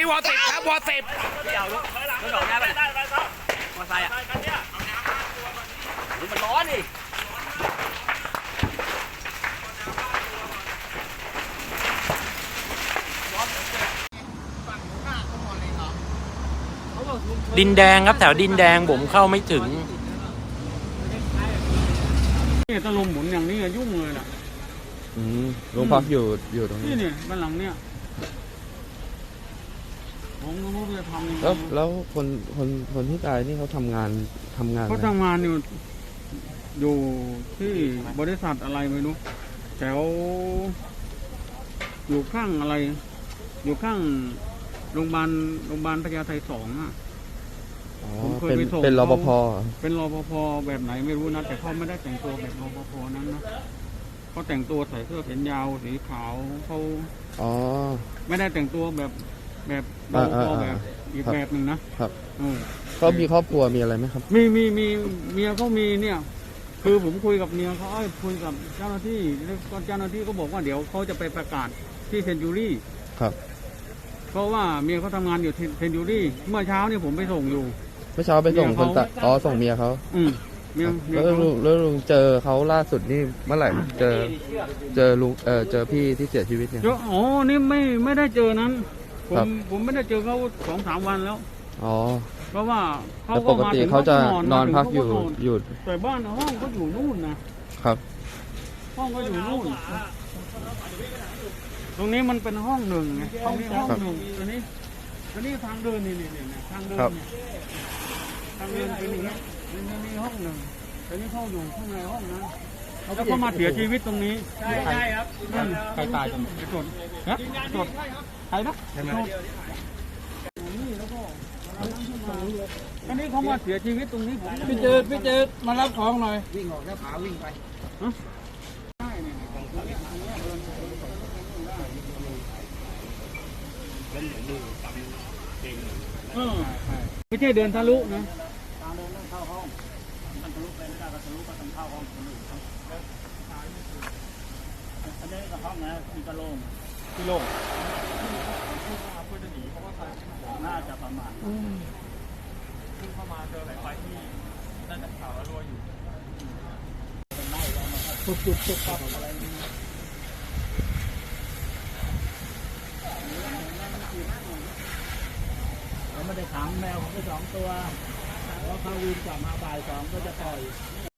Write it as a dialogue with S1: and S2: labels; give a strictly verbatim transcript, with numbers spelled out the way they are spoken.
S1: วอสิบครับวอสิบ
S2: เดี๋ยวลุกลุกดอกได้ป่ะมอไซค์อ่ะมันร้อนดิ
S1: ดินแดงครับแถวดินแดงผมเข้าไม่ถึง
S3: นี่ตะลุมหมุนอย่างนี้ยุ่งเลยน่ะ
S4: อืมโรงพักอยู่อยู่ตรงนี้
S3: นี่เนี่ยบ้านหลังเนี่ยผมก็ไม่รู้จะทำยังไง
S4: แล้วแล้วคนคนคนที่ตายนี่เขาทำงานทำงาน
S3: เขาทำงานอยู่อยู่ที่บริษัทอะไรไม่รู้แถวอยู่ข้างอะไร อยู่ข้างโรงพยาบาลโรงพยาบาลพญาไทสองอ่ะ
S4: อ๋อเป็นเป็นรปภ
S3: เป็นรปภแบบไหนไม่รู้นะแต่เขาไม่ได้แต่งตัวแบบรปภนั้นนะเขาแต่งตัวใส่เสื้อแขนยาวสีขาวเขา
S4: อ๋อ
S3: ไม่ได้แต่งตัวแบบแบบรปภแบบอีกแบบหนึ่งนะครับ
S4: เขามีครอบครัวมีอะไรไหมครับ
S3: มีมีมีเมียเขามีเนี่ยคือผมคุยกับเมียเขาคุยกับเจ้าหน้าที่แล้วก็เจ้าหน้าที่ก็บอกว่าเดี๋ยวเขาจะไปประกาศที่เซนจูรี่
S4: ครับ
S3: เพราะว่าเมียเขาทำงานอยู่เซนจูรี่เมื่อเช้านี่ผมไปส่งอยู่
S4: เมื่อเช้าไปส่งคนตะอ๋อส่งเมียเขา
S3: อืมเมีย
S4: แล้วลุงแล้วลุงเจอเขาล่าสุดนี่เมื่อไหร่เจอเจอลุงเออเจอพี่ที่เสียชีวิตเนี่ย
S3: อ๋อนี่ไม่ไม่ได้เจอนั้นผมผมไม่ได้เจอเขาสองสามวันแล้ว
S4: อ๋อ
S3: เพราะว่าเขา
S4: ปกติเขาจะนอนพักอยู่อยู่
S3: แต่บ้านห้องเขาอยู่นู่นนะครับห้องก็อยู่นู่นตรงนี้มันเป็นห้องหนึ่งไงห้องนี้ห้องหนึ่งตรงนี้ตรงนี้ทางเดินนี่นี่นี่ทางเดินเนี่ยทางเดินเป็นอย่างนี้นี่นี่ห้องหนึ่งตรงนี้ห้องอยู่ข้างในห้องนั้นแล้วก็มาเสียชีวิตตรงนี้ใช่ใช่ครับใครตายกันไอ้สดนะสดใครนะสดนี่แล้วก็อันนี้เขามาเสียชีวิตตรงนี้ผมพี่เจอพี่เจอมารับของหน่อยวิ่งออกแล้วผาวิ่งไปไม่ใช่เดินทะลุนะทางเดินต้องเข้าห้องมันทะลุไปไม่ได้ก็ทะลุก็ต้องเข้าห้องคนอื่นครับอันนี้ก็ห้องนะมีกระโหลกที่โล่งเพื่อจะหนีเพราะว่าน่าจะประมาณขึ้นเข้ามาเจอหลายไฟที่น่าจะข่าวแล้วรัวอยู่จุดจุดจุดครับอะไรไม่ได้ขังแมวผมไปสองตัวแล้วเขาวิ่งกลับมาบ่ายสองก็จะปล่อย